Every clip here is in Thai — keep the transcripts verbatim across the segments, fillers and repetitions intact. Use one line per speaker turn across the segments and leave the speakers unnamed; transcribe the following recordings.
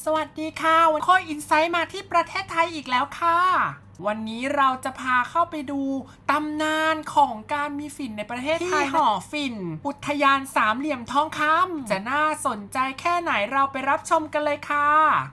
สวัสดีค่ะวันข้ออินไซต์มาที่ประเทศไทยอีกแล้วค่ะวันนี้เราจะพาเข้าไปดูตำนานของการมีฝิ่นในประเทศไทยที่หอฝิ่นอุทยานสามเหลี่ยมทองคำจะน่าสนใจแค่ไหนเราไปรับชมกันเลยค่ะ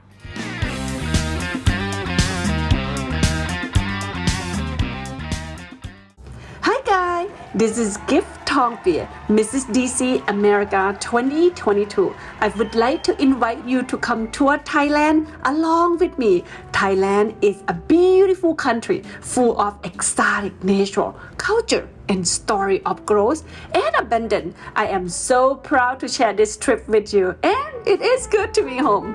Hi guys, this is Gift Tongpia, Missus D C America twenty twenty-two. I would like to invite you to come tour Thailand along with me. Thailand is a beautiful country full of exotic natural culture and story of growth and abundance. I am so proud to share this trip with you and it is good to be home.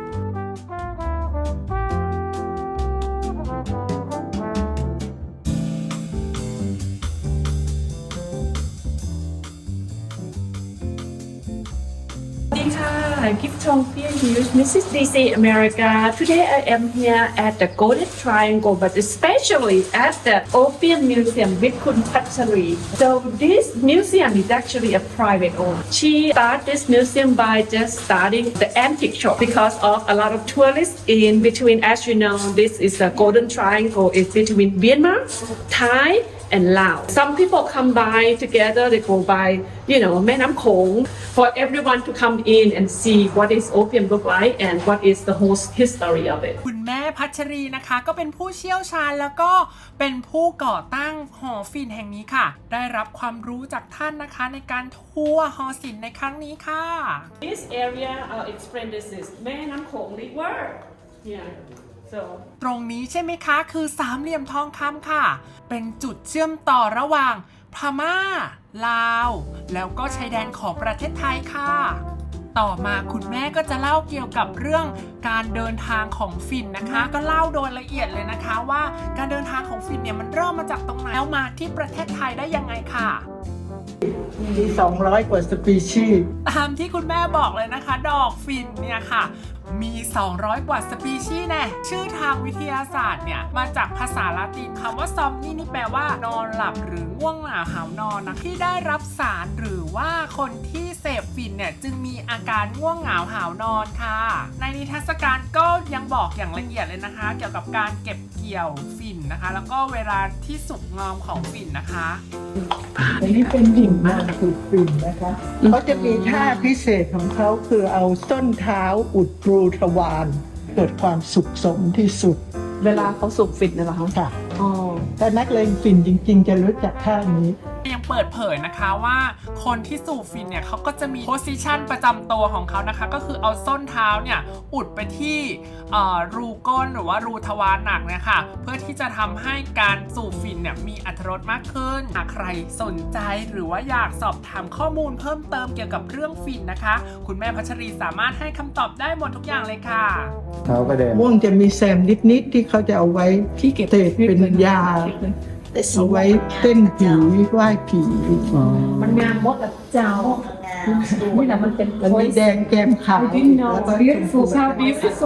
Hi, Gift Tongpia here, Missus D C America. Today I am here at the Golden Triangle, but especially at the Opium Museum with Kun Patchari. So this museum is actually a private owned. She started this museum by just starting the antique shop because of a lot of tourists in between. As you know, this is the Golden Triangle. It's between Myanmar, Thai, and Laos. Some people come by together, they go by, you know, Mae Nam Khong, for everyone to come in and see what is opium look like and what is the whole history of it.
คุณแม่พัชรีนะคะก็เป็นผู้เชี่ยวชาญแล้วก็เป็นผู้ก่อตั้งหอฝิ่นแห่งนี้ค่ะได้รับความรู้จากท่านนะคะในการทัวร์หอศิลป์ในครั้งนี้ค่ะ
This area, I'll explain this is Mae Nam Khong River. Yeah. So
ตรงนี้ใช่ไหมคะคือสามเหลี่ยมทองคำค่ะเป็นจุดเชื่อมต่อระหว่างพม่าลาวแล้วก็ชายแดนของประเทศไทยค่ะต่อมาคุณแม่ก็จะเล่าเกี่ยวกับเรื่องการเดินทางของฝิ่นนะคะก็เล่าโดยละเอียดเลยนะคะว่าการเดินทางของฝิ่นเนี่ยมันเริ่มมาจากตรงไหนแล้วมาที่ประเทศไทยได้ยังไงค่ะ
มีสองร้อยกว่าสปีชีส์
ตามที่คุณแม่บอกเลยนะคะดอกฝิ่นเนี่ยค่ะมีสองร้อยกว่าสปีชีส์แน่ชื่อทางวิทยาศาสตร์เนี่ยมาจากภาษาละตินคำว่าซอมนี่นี่แปลว่านอนหลับหรือง่วงเหงาหาวนอนนะที่ได้รับสารหรือว่าคนที่เสพฝิ่นเนี่ยจึงมีอาการง่วงเหงาหาวนอนค่ะในนิทรรศการก็ยังบอกอย่างละเอียดเลยนะคะเกี่ยวกับการเก็บเกี่ยวฝิ่นนะคะแล้วก็เวลาที่สุกงอมของฝิ่นนะคะ
อันนี้เป็นหิ่งมากคือฝิ่นนะคะเขาจะมีท่าพิเศษของเขาคือเอาส้นเท้าอุดรูทวารเกิดความสุขสมที่สุด
เวลาเขาสูบฝิ่นน่ะเหรอคะ
ค่ะอ๋อถ้านักเลงฝิ่นจริงๆจะรู้จักท่านี้
ยังเปิดเผยนะคะว่าคนที่สูบฝิ่นเนี่ยเขาก็จะมีโพสิชันประจำตัวของเขานะคะก็คือเอาส้นเท้าเนี่ยอุดไปที่รูก้นหรือว่ารูทวารหนักเนี่ยค่ะเพื่อที่จะทำให้การสูบฝิ่นเนี่ยมีอรรถรสมากขึ้นหากใครสนใจหรือว่าอยากสอบถามข้อมูลเพิ่มเติมเกี่ยวกับเรื่องฝิ่นนะคะคุณแม่พัชรีสามารถให้คำตอบได้หมดทุกอย่างเลยค่ะ
เขาก็เดินม่วงจะมีแซมนิดๆที่เขาจะเอาไว้ที่เก็บเศษเป็นยาเอาไว้เต้นผีไหว้ผี
มันงามมดกับเจ้านี่แหละมันเป็น
มันมีแดงแก้มขาวแล้วก็
beautiful so beautiful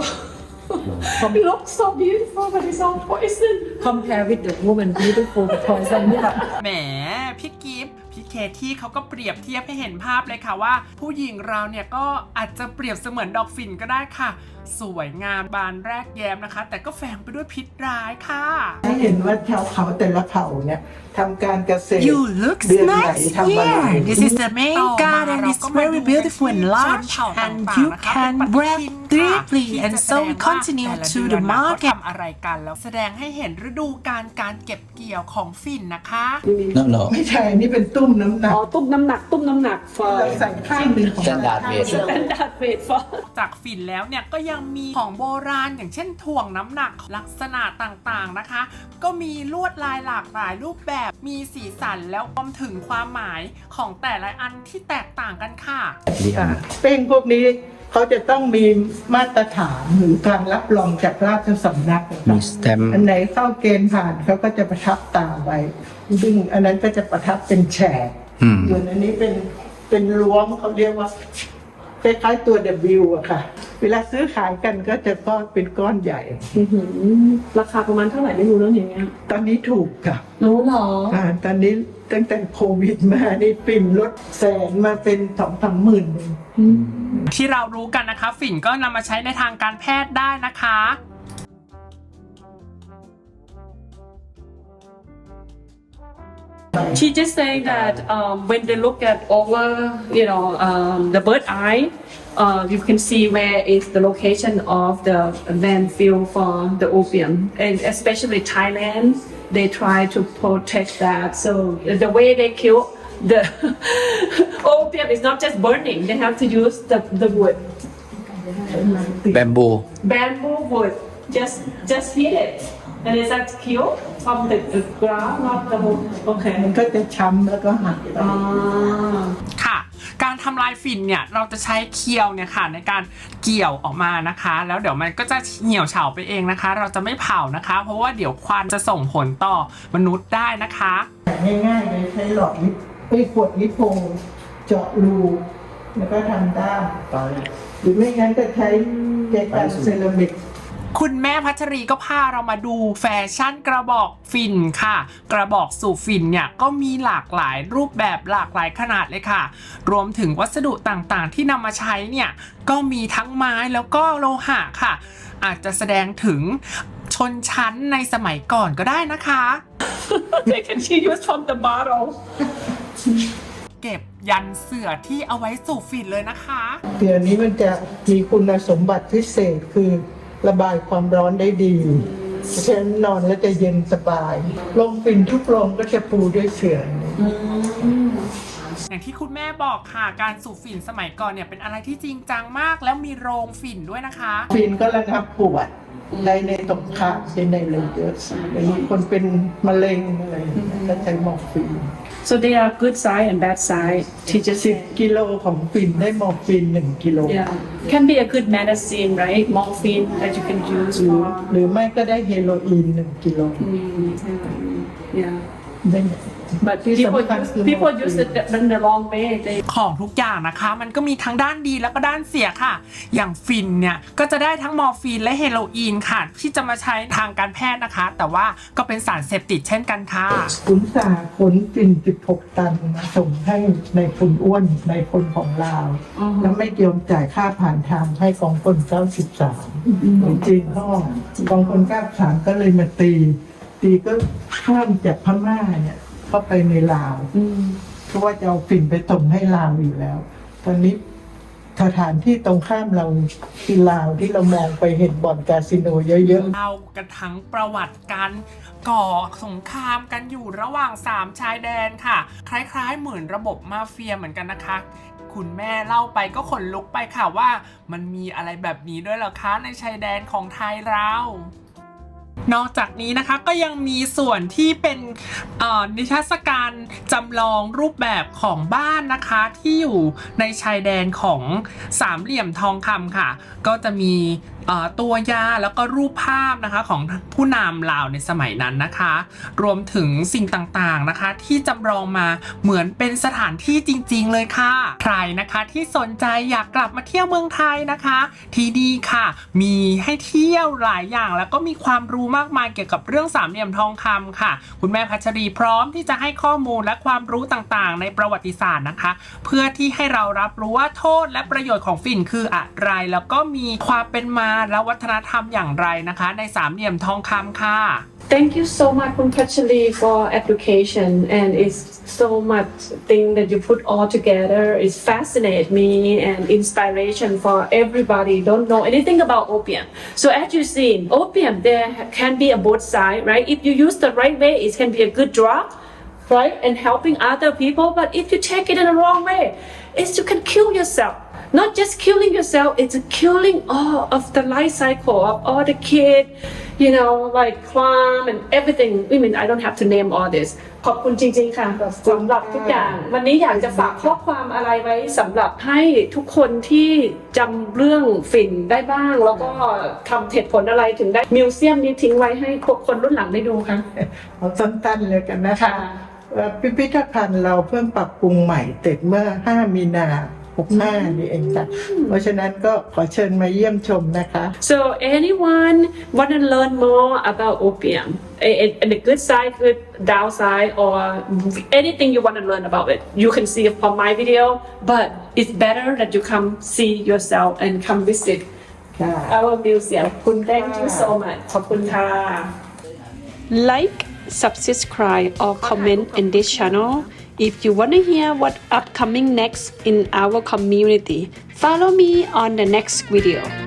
it looks so beautiful but it's all poison compare with the woman beautiful but poison นี่แบบ
แหมพี่กิฟต์พี่เคที่เขาก็เปรียบเทียบให้เห็นภาพเลยค่ะว่าผู้หญิงเราเนี่ยก็อาจจะเปรียบเสมือนดอกฝิ่นก็ได้ค่ะสวยงามบานแรกแย้มนะคะแต่ก็แฝงไปด้วยพิษร้ายค่ะ
ให้เห็นว่าชาวเขาแต่ละเผ่าเนี่ยทำการเกษตร
You look nice here. This is the main garden. It's very beautiful and large, and you can breathe deeply. And so we continue to the market.
ทำอะไรกันแล้วแสดงให้เห็นฤดูกาลการเก็บเกี่ยวของฝิ่นนะคะ
No no
ไม่ใช่นี่เป็นตุ้มน้ำหนัก
อ๋อตุ้มน้ำหนักตุ้มน้ำหนักฟอ
เราใส่ข้างหนึ่งของ
Standard weight
standard weight for
จากฝิ่นแล้วเนี่ยก็ยังมีของโบราณอย่างเช่นถ่วงน้ำหนักลักษณะต่างๆนะคะก็มีลวดลายหลากหลายรูปแบบมีสีสันแล้วรวมถึงความหมายของแต่ละอันที่แตกต่างกันค่ะ
เป้งพวกนี้เขาจะต้องมีมาตรฐานหรือการรับรองจากราชสำนัก
มีสแตมป์
อันไหนเข้าเกณฑ์ผ่านเขาก็จะประทับตาไว้ซึ่งอันนั้นก็จะประทับเป็นแฉกส่วนอันนี้เป็นเป็นล้วงเขาเรียกว่าคล้ายๆตัว W อะค่ะเวลาซื้อขายกันก็จะก้อนเป็นก้อนใหญ่
ราคาประมาณเท่าไหร่ไม่รู้แล้วอย่างเงี้ย
ตอนนี้ถูกค่ะ
รู้หรอ
อ่าตอนนี้ตั้งแต่โควิดมานี่ปิ่นลดแสนมาเป็นสองสามหมื่น
ที่เรารู้กันนะคะฝิ่นก็นำมาใช้ในทางการแพทย์ได้นะคะ
She just saying that um, when they look at over, you know, um, the bird eye, uh, you can see where is the location of the landfill for the opium, and especially Thailand, they try to protect that. So the way they kill the opium is not just burning; they have to use the the wood,
แบมบู
bamboo wood. Just just heat it, and is that kill from the, the ground, not the wood.
มั
Okay.
นก็จะช้ำแล้วก็หักไป
Ah.
ค่ะ การทำลายฝิ่นเนี่ยเราจะใช้เคียวเนี่ยค่ะในการเกี่ยวออกมานะคะ แล้วเดี๋ยวมันก็จะเหี่ยวเฉาไปเองนะคะ เราจะไม่เผานะคะ เพราะว่าเดี๋ยวควันจะส่งผลต่อมนุษย์ได้นะคะ
ง่ายๆเลยใช้หลอดลิปไอ้ขวดลิปโพเจาะรูแล้วก็ทำด้ามหรือไม่งั้นก็ใช้แจกันเซรามิก
คุณแม่พัชรีก็พาเรามาดูแฟชั่นกระบอกฝิ่นค่ะ กระบอกสูบฝิ่นเนี่ยก็มีหลากหลายรูปแบบหลากหลายขนาดเลยค่ะ รวมถึงวัสดุต่างๆที่นำมาใช้เนี่ยก็มีทั้งไม้แล้วก็โลหะค่ะ อาจจะแสดงถึงชนชั้นในสมัยก่อนก็ได้นะคะ
They can she use from the bottle.
เก็บยันเสื่อที่เอาไว้สูบฝิ่นเลยนะคะ
เดี๋ยวนี้มันจะมีคุณสมบัติพิเศษคือระบายความร้อนได้ดีเพราะฉะนั้นนอนแล้วจะเย็นสบายโรงฝิ่นทุกโรงก็จะปูด้วยเสื่อ
อย่างที่คุณแม่บอกค่ะการสูบฝิ่นสมัยก่อนเนี่ยเป็นอะไรที่จริงจังมากแล้วมีโรงฝิ่นด้วยนะคะ
ฝิ่นก็ระงับปวดในในตรงขาใช้ในเลยเยอะอย่างนี้คนเป็นมะเร็งอะไรก็ใช้มอร์ฟีน
So they are good side and bad side. Teacher
สิบ
said.
กิโลของฝิ่นได้มอร์ฟีนหนึ่งกิโล
Yeah. Can be a good medicine, right? Morphine that you can use
หรือ
for.
หรือไม่ก็ได้เฮโรอีนหนึ่งกิโล
Yeah.
ได้
But
ที่
people
สำคัญ
use
คือ
people use it in the wrong way. They
ของทุกอย่างนะคะมันก็มีทั้งด้านดีแล้วก็ด้านเสียค่ะ อย่างฟินเนี่ยก็จะได้ทั้งมอร์ฟีนและเฮโรอีนค่ะ ที่จะมาใช้ทางการแพทย์นะคะ แต่ว่าก็เป็นสารเสพติดเช่นกันค่ะ
ขุนสาขนฝิ่นสิบหกตันมาส่งให้ในคนอ้วนในคนของลาวแล้วไม่ยอมจ่ายค่าผ่านทางให้กองพลเก้าสิบสามหรือจีนห้องกองพลเก้าสิบสามก็เลยมาตี ตีก็ข้ามจากพม่าเนี่ยเข้าไปในลาวเพราะว่าจะเอาฝิ่นไปส่งให้ลาวอยู่แล้ว ตอนนี้สถานที่ตรงข้ามเราคือลาวที่เรามองไปเห็นบ่อนคาสิโนเยอะๆ
เรากันทั้งประวัติการก่อสงครามกันอยู่ระหว่างสามชายแดนค่ะ คล้ายๆเหมือนระบบมาเฟียเหมือนกันนะคะ คุณแม่เล่าไปก็ขนลุกไปค่ะว่ามันมีอะไรแบบนี้ด้วยเหรอคะในชายแดนของไทยเรานอกจากนี้นะคะก็ยังมีส่วนที่เป็นนิทรรศการจำลองรูปแบบของบ้านนะคะที่อยู่ในชายแดนของสามเหลี่ยมทองคำค่ะก็จะมีตัวยาแล้วก็รูปภาพนะคะของผู้นำลาวในสมัยนั้นนะคะรวมถึงสิ่งต่างๆนะคะที่จำลองมาเหมือนเป็นสถานที่จริงๆเลยค่ะใครนะคะที่สนใจอยากกลับมาเที่ยวเมืองไทยนะคะที่ดีค่ะมีให้เที่ยวหลายอย่างแล้วก็มีความรู้มากมายเกี่ยวกับเรื่องสามเหลี่ยมทองคำค่ะคุณแม่พัชรีพร้อมที่จะให้ข้อมูลและความรู้ต่างๆในประวัติศาสตร์นะคะเพื่อที่ให้เรารับรู้ว่าโทษและประโยชน์ของฝิ่นคืออะไรแล้วก็มีความเป็นมาและวัฒนธรรมอย่างไรนะคะในสามเหลี่ยมทองคำค่ะ
Thank you so much, Kunpachali, for education, and it's so much thing that you put all together. It fascinates me and inspiration for everybody don't know anything about opium. So as you see, opium there can be a both side, right? If you use the right way, it can be a good drug, right, and helping other people. But if you take it in the wrong way, it's you can kill yourself.Not just killing yourself, it's killing all of the life cycle of all the kids, you know, like crime and everything. I mean, I don't have to name all this. ขอบคุณจริงๆค่ะสำหรับทุกอย่างวันนี้อยากจะฝากข้อความอะไรไว้สำหรับให้ทุกคนที่จำเรื่องฝิ่นได้บ้างแล้วก็ทำเหตุผลอะไรถึงได้มิวเซียมนี้ทิ้งไว้ให้คนรุ่นหลังได้ดูค่ะ
เอาสั้นๆเลยกันนะคะพิพิธภัณฑ์เราเพิ่งปรับปรุงใหม่เสร็จเมื่อห้ามีนาหกห้านี่เองค่ะ เพราะฉะนั้นก็ขอเชิญมาเยี่ยมชมนะคะ
So anyone want to learn more about opium, and and the good side, good downside, or anything you want to learn about it, you can see it from my video. But it's better that you come see yourself and come visit
ค่ะ
our museum. Thank you so much. ขอบคุณค่ะ
Like, subscribe, or comment in this channel. If you want to hear what upcoming next in our community, follow me on the next video.